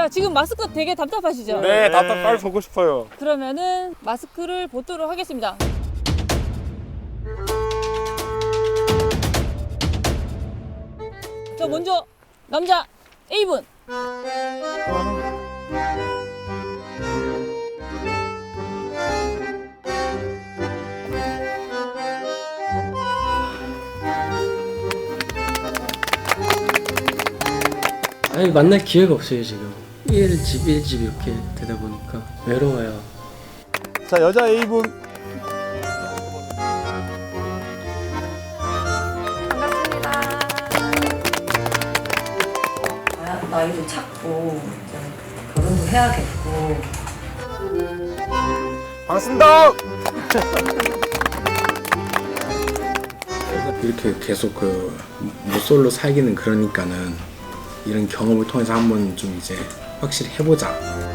자, 지금 마스크 되게 답답하시죠? 네, 빨리 보고 싶어요. 그러면은 마스크를 벗도록 하겠습니다. 자, 먼저 남자 A분. 아니 만날 기회가 없어요 지금. 1집 1집 이렇게 되다 보니까 외로워요. 자, 여자 A분. 반갑습니다. 나이도 찼고 이제 결혼도 해야겠고. 반갑습니다. 이렇게 계속 모쏠로 살기는 그러니까는 이런 경험을 통해서 한번 좀 이제 확실히 해보자.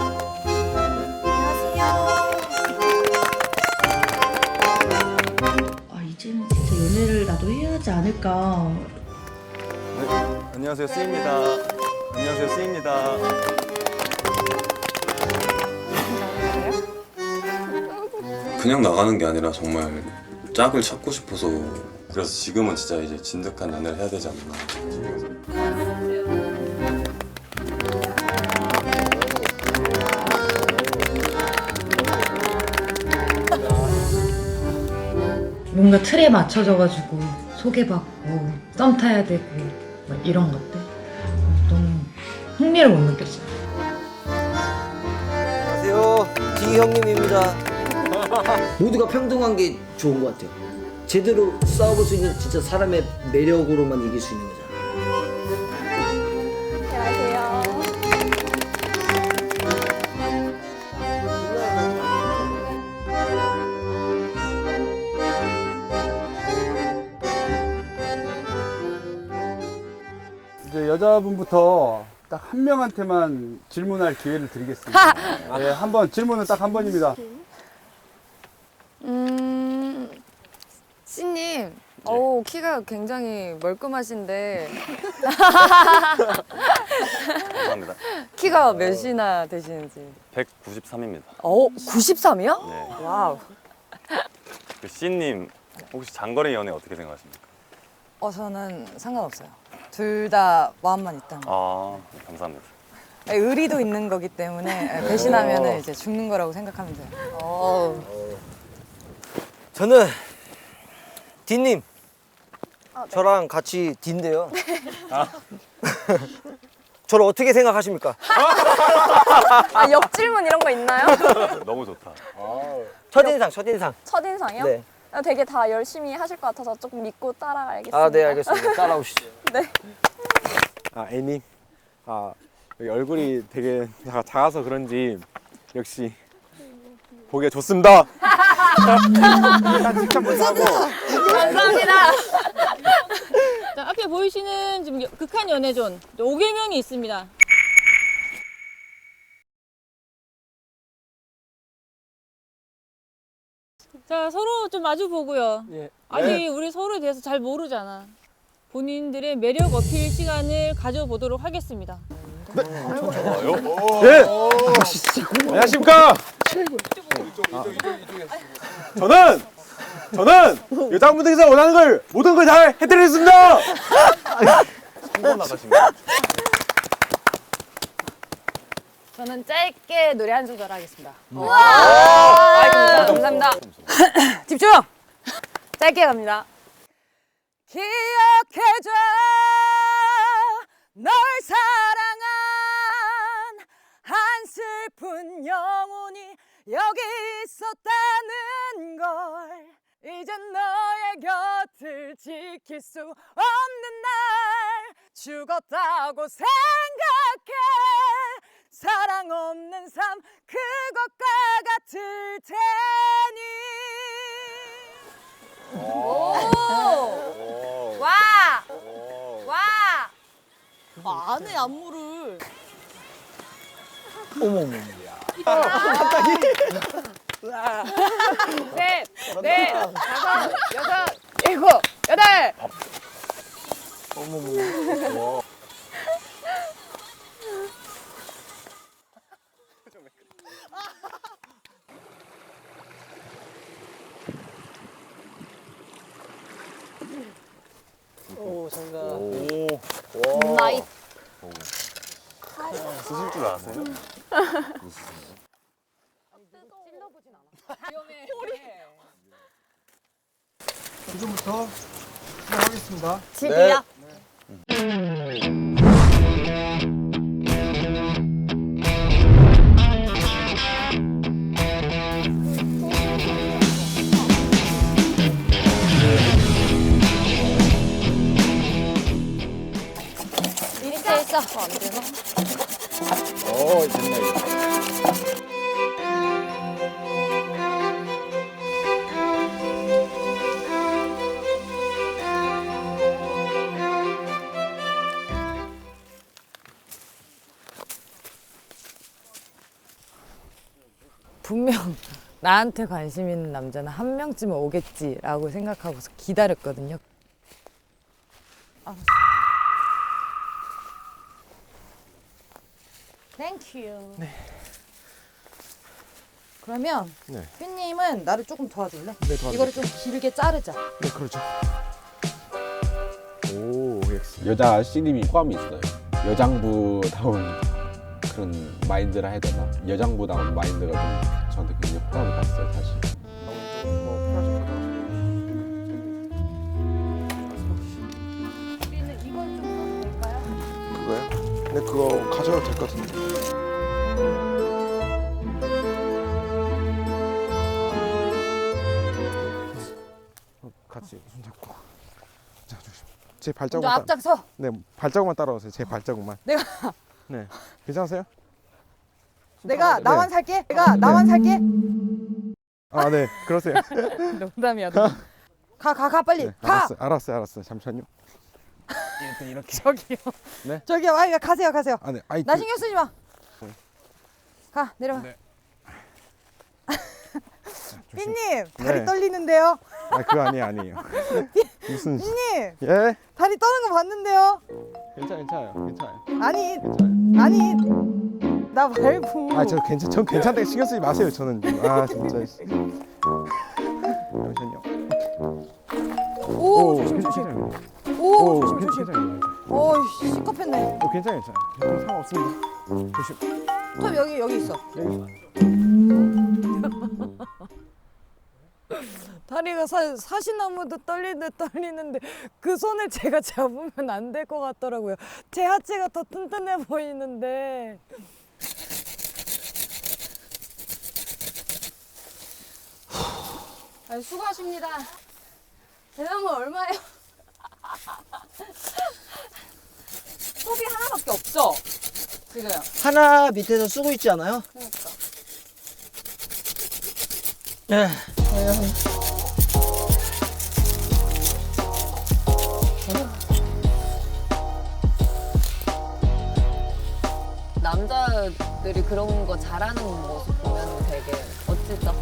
이제는 진짜 연애를 나도 해야 하지 않을까. 안녕하세요, C입니다. 안녕하세요, C입니다. 그냥 나가는 게 아니라 정말 짝을 찾고 싶어서 그래서 지금은 진짜 이제 진득한 연애를 해야 되지 않나. 뭔가 틀에 맞춰져가지고 소개받고 썸 타야 되고 막 이런 것들 너무 흥미를 못 느꼈어요. 안녕하세요. 디 형님입니다. 모두가 평등한 게 좋은 것 같아요. 제대로 싸워볼 수 있는 진짜 사람의 매력으로만 이길 수 있는 거잖아. 이제 여자분부터 딱 한 명한테만 질문할 기회를 드리겠습니다. 네, 한번 질문은 딱 한 번입니다. 씨님, 어우, 키가 굉장히 멀끔하신데 감사합니다. 키가 몇이나 되시는지. 193입니다. 93이요? 네. 와우. 그 C님 혹시 장거리 연애 어떻게 생각하십니까? 저는 상관없어요. 둘 다 마음만 있다면. 아, 감사합니다. 의리도 있는 거기 때문에 배신하면 이제 죽는 거라고 생각하면 돼요. 저는 디님. 저랑 같이 디인데요. 저를 어떻게 생각하십니까? 역질문 이런 거 있나요? 너무 좋다. 첫인상, 첫인상. 첫인상이요? 네. 되게 다 열심히 하실 것 같아서 조금 믿고 따라가야겠습니다. 아, 네, 알겠습니다. 따라오시죠. 네. A님. 여기 얼굴이 되게 작아서 그런지 역시 보기가 좋습니다. 칭찬 먼저 하고. 감사합니다. 자, 앞에 보이시는 지금 극한 연애존 5개명이 있습니다. 자, 서로 좀 마주 보고요. 예. 아직 우리 서로에 대해서 잘 모르잖아. 본인들의 매력 어필 시간을 가져보도록 하겠습니다. 네. 안녕하십니까. 저는 여자분들께서 원하는 걸 모든 걸 잘 해드리겠습니다. 한번 나가십니다. 저는 짧게 노래 한 소절 하겠습니다. 감사합니다. 집중! 짧게 갑니다. 기억해줘 널 사랑한 한 슬픈 영혼이 여기 있었다는 걸 이젠 너의 곁을 지킬 수 없는 날 죽었다고 생각해 사랑 없는 삶 그것과 같을 테니 와! 와! 안에 안무를. 어머머. 셋, 넷, 다섯, 여섯, 일곱, 여덟. 지금부터 시작하겠습니다. 집이요? 밑에 있어. 안 되나? 됐네. 분명 나한테 관심 있는 남자는 한 명쯤은 오겠지라고 생각하고서 기다렸거든요. 땡큐. 네. 그러면 네. 휘님은 나를 조금 도와줄래? 네, 도와드릴게요. 이거를 좀 길게 자르자. 네, 그렇죠. 오, 역시. 여자 씨님이 포함이 있어요. 여장부다운 그런 마인드라 해야 되나? 여장부다운 마인드가 좀 저한테 굉장히 호감이 갔어요, 사실. 우리는 이걸 좀 될까요? 그거요? 네, 그거 가져도 될 것 같은데. 같이 손 잡고. 자, 조심. 제 먼저 발자국만 앞장서. 네, 발자국만 따라오세요. 제 발자국만. 내가 네. 괜찮으세요? 내가 네. 나만 살게. 내가 나만 살게. 아, 네. 그러세요. 농담이야. 가 빨리. 네, 가. 알았어요. 잠시만요. 이렇게. 저기요. 네. 저기요. 아이 가세요. 아, 네. 아이, 나 신경 쓰지 마. 네. 가 내려가. 네. 삐님 다리 네. 떨리는데요. 아, 그거 아니에요. 무슨 삐님 예? 다리 떠는 거 봤는데요. 괜찮아요. 아니 괜찮아요. 아니 나 말고. 아, 전 괜찮다고 신경 쓰지 마세요. 저는 아, 진짜. 잠시만요. 오 조심. 괜찮아요. 오 조심. 괜찮아요. 오 시겁했네. 괜찮아요. 상관없습니다. 조심. 톱 여기 있어. 다리가 사시나무도 떨리는데 그 손을 제가 잡으면 안 될 것 같더라고요. 제 하체가 더 튼튼해 보이는데. 수고하십니다. 대나무 얼마예요? 톱이 하나밖에 없죠? 지금. 하나 밑에서 쓰고 있지 않아요? 그러니까. 네. 남자들이 그런 거 잘하는 모습 보면 되게 멋지죠.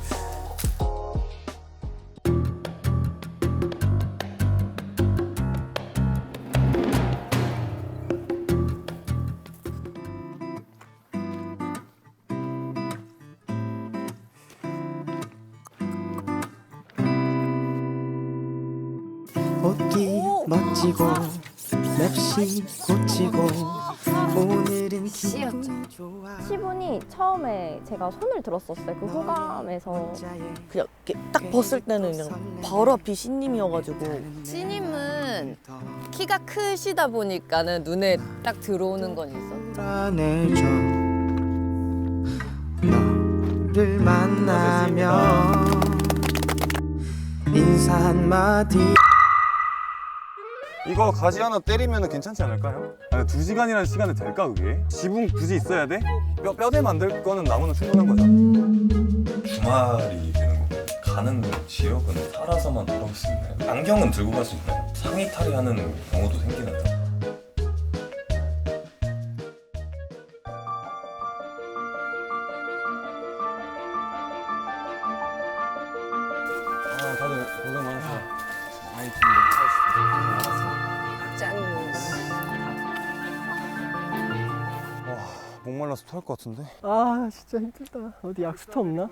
옷기 멋지고 맵시 고치고 오늘은 기분 좋아. 시분이 처음에 제가 손을 들었었어요. 그 호감에서 그냥 이렇게 딱 벗을 때는 그냥 바로 앞이 신님이어가지고. 씨님은 키가 크시다 보니까는 눈에 딱 들어오는 건 있어. 안해줘 너를 만나면 인사 한마디. 이거 가지 하나 때리면 괜찮지 않을까요? 아니, 2시간이라는 시간이 될까 그게? 지붕 굳이 있어야 돼? 뼈대 만들 거는 나무는 충분한 거죠. 주말이 되는 거고 가는 지역은 살아서만 돌아올 수 있나요? 안경은 들고 갈 수 있나요? 상의 탈의하는 경우도 생기는데. 다들 고생 많으세요. 아이, 목말라서 토할 것 같은데. 아 진짜 힘들다. 어디 약수터 없나?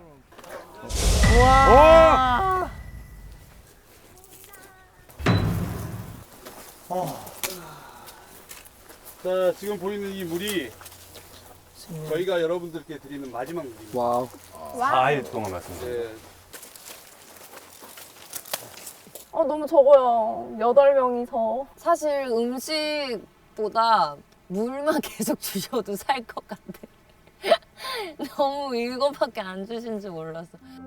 자, 지금 보이는 이 물이 저희가 여러분들께 드리는 마지막 무기입니다. 와우. 4일 동안 말씀드려요. 네. 너무 적어요. 8명이서. 사실 음식보다 물만 계속 주셔도 살 것 같아. 너무 이거밖에 안 주신 줄 몰랐어.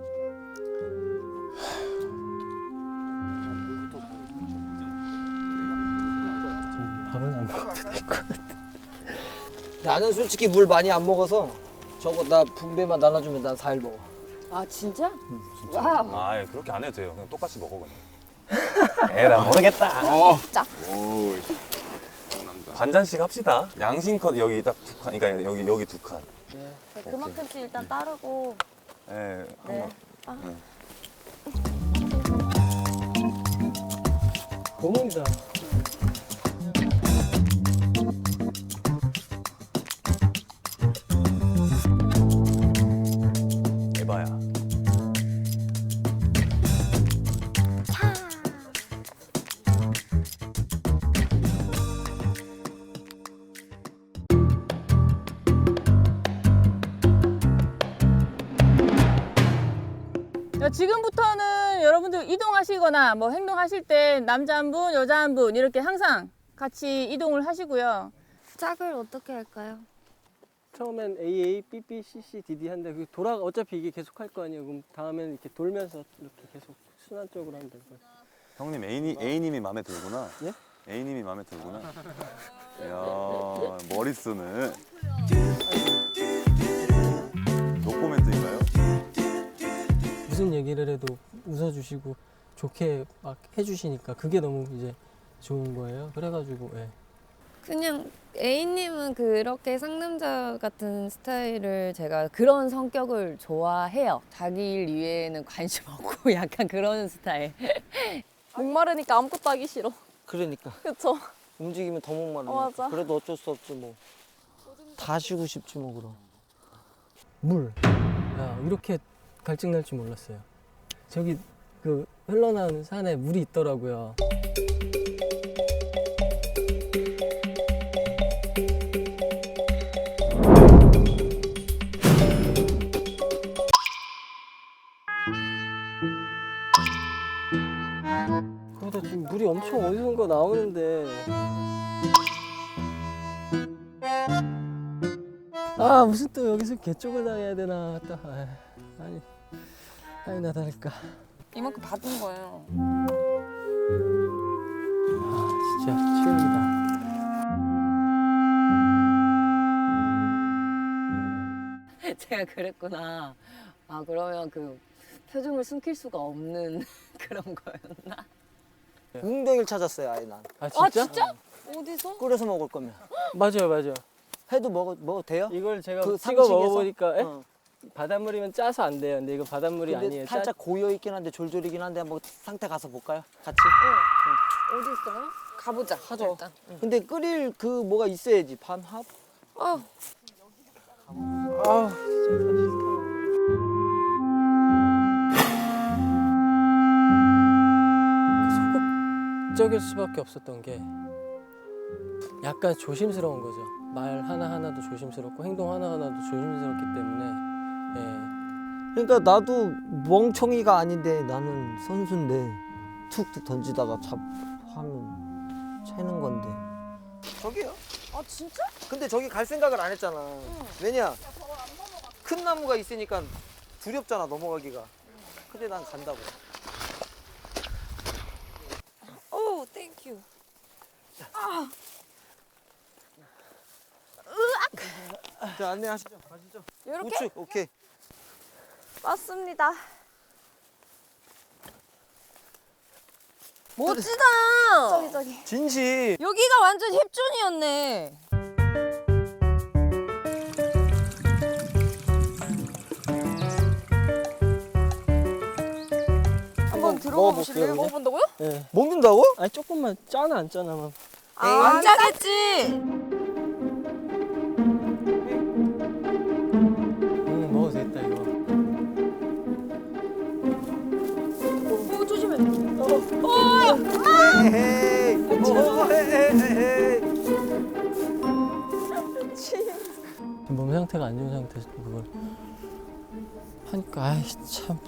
밥은 안 먹어도 될 것 같아. 나는 솔직히 물 많이 안 먹어서 저거 나 분배만 나눠주면 난 4일 먹어. 아 진짜? 아, 그렇게 안 해도 돼요. 그냥 똑같이 먹어 그냥. 에라 모르겠다. 진짜. 반잔씩 합시다. 양심껏 여기 딱 2칸, 그러니까 여기 2칸. 그만큼씩 일단 따르고. 네, 네. 한번. 고문이다. 에바야. 지금부터는 여러분들 이동하시거나 뭐 행동하실 때 남자 한 분, 여자 한 분 이렇게 항상 같이 이동을 하시고요. 짝을 어떻게 할까요? 처음엔 AA, BB, CC, DD 한데 그 돌아 어차피 이게 계속 할 거 아니에요. 그럼 다음엔 이렇게 돌면서 이렇게 계속 순환적으로 하면 될 것 같아요. 형님 A님이 마음에 들구나. 예? A님이 마음에 들구나. 이야, 머리 쓰네. 노코멘트인가요? 무슨 얘기를 해도 웃어주시고 좋게 막 해주시니까 그게 너무 이제 좋은 거예요. 그래가지고 예. 그냥 A님은 그렇게 상남자 같은 스타일을 제가 그런 성격을 좋아해요. 자기 일 위에는 관심 없고 약간 그런 스타일. 목마르니까 아무것도 하기 싫어. 그러니까 그쵸? 움직이면 더 목마르니까. 맞아. 그래도 어쩔 수 없지 뭐. 다 쉬고 싶지 뭐 그럼. 물. 야, 이렇게 갈증 날 줄 몰랐어요. 저기 그 흘러나오는 산에 물이 있더라고요. 그러다 지금 물이 엄청 어디선가 나오는데. 아 무슨 또 여기서 개쪽을 당해야 되나 또 아니 나 다를까. 이만큼 받은 거예요. 아 진짜 최악이다. 제가 그랬구나. 아 그러면 그 표정을 숨길 수가 없는 그런 거였나? 웅덩이를 찾았어요 아예 난. 아 진짜? 아 진짜? 어디서? 끓여서 먹을 거면. 맞아요. 해도 먹어도 돼요? 이걸 제가 그 찍어 상식에서? 먹어보니까 어. 바닷물이면 짜서 안 돼요. 근데 이거 바닷물이 근데 아니에요. 살짝 고여 있긴 한데 졸졸이긴 한데 한번 상태 가서 볼까요? 같이. 어디 있어요? 가보자. 하죠. 일단. 근데 끓일 그 뭐가 있어야지. 반합. 아, 아 진짜 소극적일 수밖에 없었던 게 약간 조심스러운 거죠. 말 하나하나도 조심스럽고 행동 하나하나도 조심스럽기 때문에 그러니까 나도 멍청이가 아닌데 나는 선수인데 툭툭 던지다가 하면 채는 건데. 저기요? 아 진짜? 근데 저기 갈 생각을 안 했잖아. 왜냐? 큰 나무가 있으니까 두렵잖아 넘어가기가. 근데 난 간다고. 오, 땡큐. 자 안내하시죠. 가시죠. 이렇게? 우측 오케이. 맞습니다. 멋지다. 저기. 진실. 여기가 완전 힙존이었네. 한번 들어가 보실래요? 먹어볼게요, 먹어본다고요? 예. 먹는다고? 아니 조금만 짜나 안 짜나만. 안 짜겠지. 먹어도 됐다 이거. 오 조심해. 에헤이. 에헤이. 몸 상태 상태가 안 좋은 상태에서 그걸 하니까 아이 참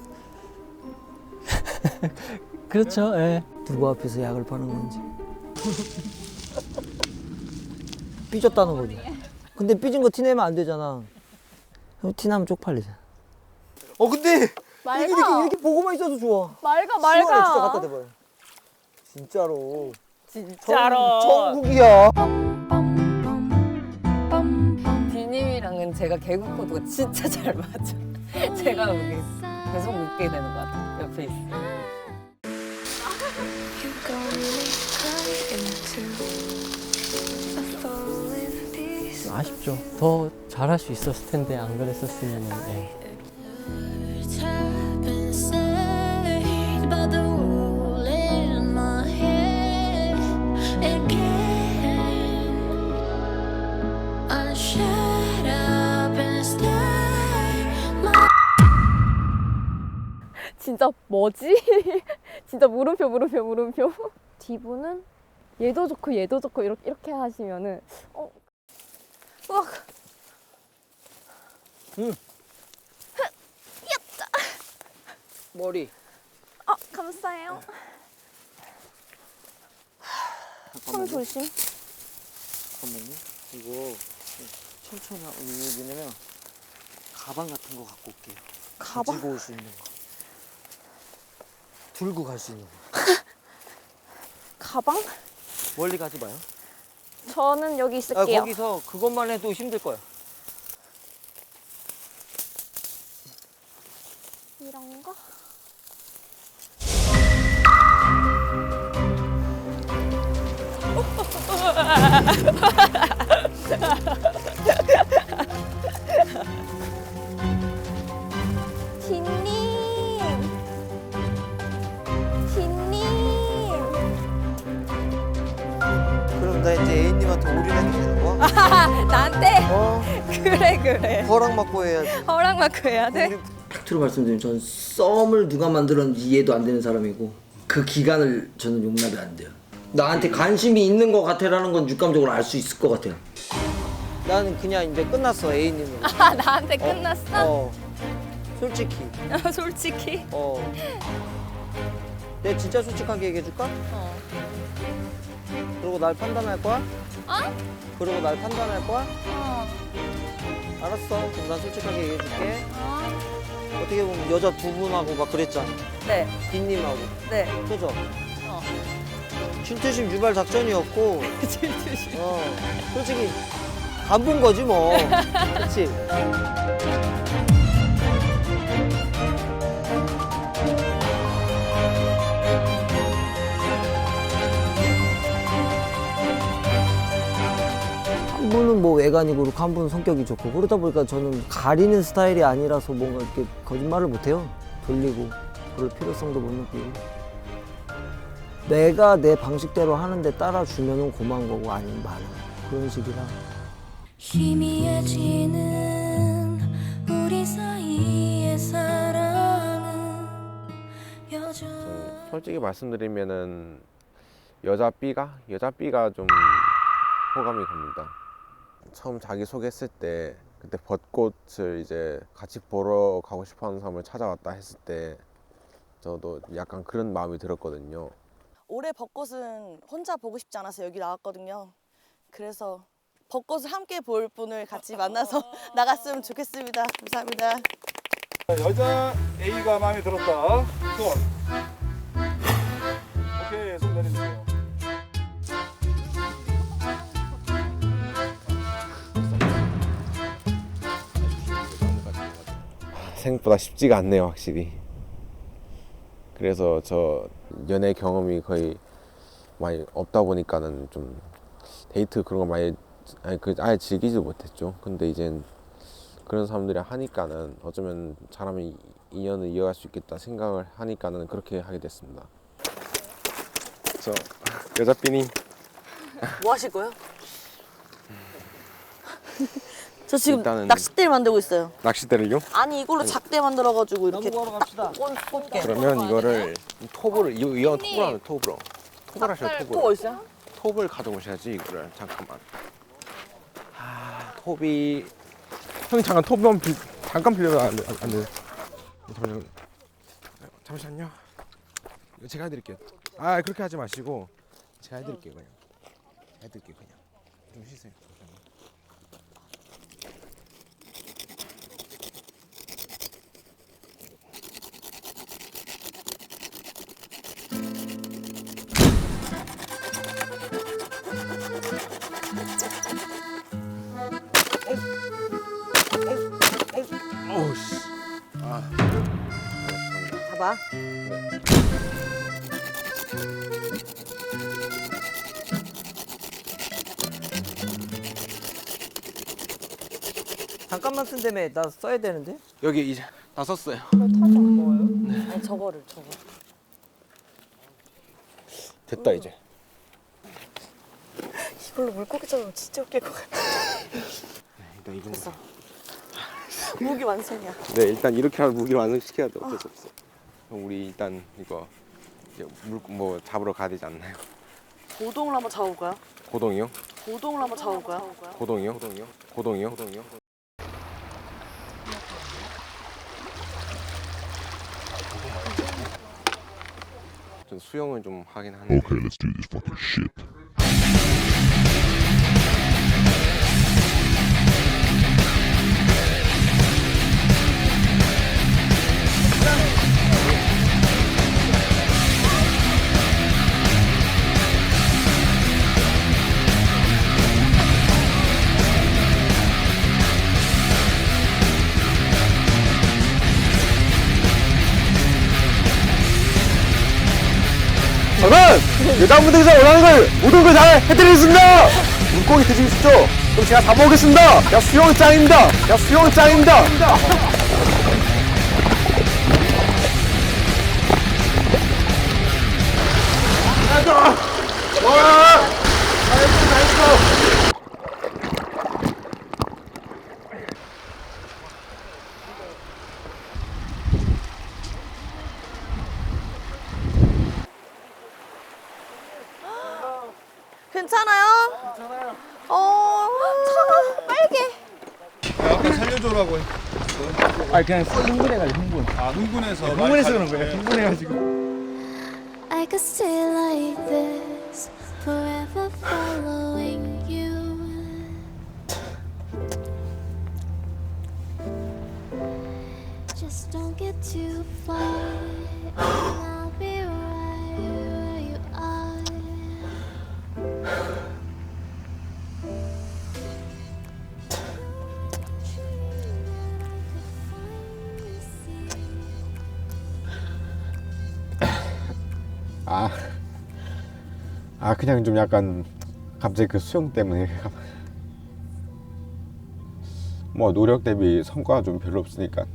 그렇죠. 예. 누구 앞에서 약을 파는 건지. 삐졌다는 거지. 근데 삐진 거 티내면 안 되잖아. 티나면 쪽팔리잖아. 근데 맑아. 이렇게 보고만 있어도 좋아. 맑아, 시원해, 진짜 맑아. 갖다 대봐요. 진짜로. 진짜로. 천국이야. 디님이랑은 제가 개그 코드가 진짜 잘 맞아. 제가 여기 계속 웃게 되는 것 같아요. 옆에 있어요. 아쉽죠. 더 잘할 수 있었을 텐데 안 그랬었으면. 예. 진짜 뭐지? 진짜 물음표. 디브는 얘도 좋고 이렇게 하시면은 우와. 머리. 감사해요. 손 조심. 잠깐만요. 이거 천천히 왜냐면 가방 같은 거 갖고 올게요. 가방? 가지고 올 수 있는 거. 들고 갈 수 있는 거. 가방? 멀리 가지 마요. 저는 여기 있을게요. 거기서 그것만 해도 힘들 거야. 이런 거? 그럼 나 이제 애인님한테 올인해도 되는 거야? 나한테? 그래. 허락 받고 해야지. 허락 받고 해야 돼? 팩트로 말씀드리면 저는 썸을 누가 만들었는지 이해도 안 되는 사람이고 그 기간을 저는 용납이 안 돼요. 나한테 관심이 있는 것 같아라는 건 육감적으로 알 수 있을 것 같아요. 나는 그냥 이제 끝났어, 애인님은. 나한테 끝났어? 솔직히. 솔직히? 내가 진짜 솔직하게 얘기해줄까? 그러고 날 판단할 거야? 그러고 날 판단할 거야? 알았어. 그럼 난 솔직하게 얘기해줄게. 어떻게 보면 여자 두 분하고 막 그랬잖아. 네. 빈님하고. 네. 그죠? 질투심 유발 작전이었고. 질투심. 솔직히 안 본 거지 뭐. 그렇지? 한 분은 뭐 외관이 그렇고 한 분은 성격이 좋고 그러다 보니까 저는 가리는 스타일이 아니라서 뭔가 이렇게 거짓말을 못해요. 돌리고 그럴 필요성도 못 느끼고 내가 내 방식대로 하는데 따라주면은 고마운 거고 아니면 많아 그런 식이라. 희미해지는 우리 사이의 사랑은 여전히 솔직히 말씀드리면은 여자 B가 좀 호감이 갑니다. 처음 자기 소개했을 때 그때 벚꽃을 이제 같이 보러 가고 싶어하는 사람을 찾아왔다 했을 때 저도 약간 그런 마음이 들었거든요. 올해 벚꽃은 혼자 보고 싶지 않아서 여기 나왔거든요. 그래서 벚꽃을 함께 볼 분을 같이 만나서 나갔으면 좋겠습니다. 감사합니다. 여자 A가 마음에 들었다. 손. 오케이, 손 내려주세요. 생각보다 쉽지가 않네요, 확실히. 그래서 저 연애 경험이 거의 많이 없다 보니까는 좀 데이트 그런 거 많이 아예 즐기지 못했죠. 근데 이젠 그런 사람들이 하니까는 어쩌면 잘하면 인연을 이어갈 수 있겠다 생각을 하니까는 그렇게 하게 됐습니다. 저 여자 삐님 뭐 하실 거예요? 저 지금 일단은- 낚싯대를 만들고 있어요. 낚싯대를요? 아니 이걸로 작대 만들어가지고 이렇게 나무 구하러 갑시다. 꽂게. 그러면 이거를 톱을 이건 톱을 하면 톱으로 톱을 하셔 또 톱을 어딨어요? 톱을 가져오셔야지 이거를 잠깐만. 톱이 형님 잠깐 톱만 잠깐 빌려도 안 돼. 잠시만요. 제가 해드릴게요. 아 그렇게 하지 마시고 제가 해드릴게요 그냥. 해드릴게요 그냥. 좀 쉬세요. 어우씨. 잡아. 잠깐만 쓴다며. 나 써야 되는데. 여기 이제 다 썼어요. 아니 저거를. 됐다 이제. 이걸로 물고기 잡으면 진짜 웃길 것 같아. 일단 이 정도. 됐어. 무기 완성이야. 네 일단 이렇게 하면 무기 완성시켜야 돼. 어쩔 수 없어. 그럼 우리 일단 이거 이제 뭐 잡으러 가야 되지 않나요? 고동을 한번 잡아볼까요? 고동이요? 고동을 한번 잡아볼까요? 고동이요? 고동이요? 전 수영을 좀 하긴 하는데. Okay, let's do this fucking shit. 저는 여자분들께서 원하는 걸 모든 걸 다 해드리겠습니다. 물고기 드시고 싶죠? 그럼 제가 다 먹겠습니다. 야 수영 짱입니다. 야 수영 짱입니다. 괜찮아요? 괜찮아요. 차가 빨개. 아까 살려줘라고. 아니 그냥 흥분해가지고 흥분. 아 흥분해서. 흥분해서 그런 거예요. 흥분해가지고. I could stay like this, forever following you. Just don't get too far, and I'll be right where you are. 그냥 좀 약간 갑자기 그 수영 때문에 뭐 노력 대비 성과가 좀 별로 없으니까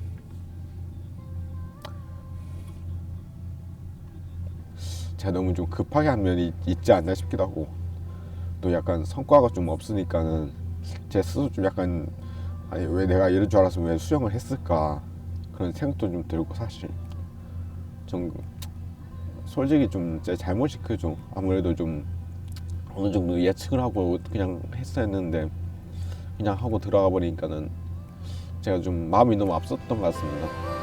제가 너무 좀 급하게 한 면이 있지 않나 싶기도 하고 또 약간 성과가 좀 없으니까는 제 스스로 좀 약간 아니 왜 내가 이럴 줄 알았으면 왜 수영을 했을까 그런 생각도 좀 들고 사실 좀 솔직히 좀 제 잘못이 크죠. 아무래도 좀 어느 정도 예측을 하고 그냥 했어야 했는데 그냥 하고 들어가 버리니까는 제가 좀 마음이 너무 앞섰던 것 같습니다.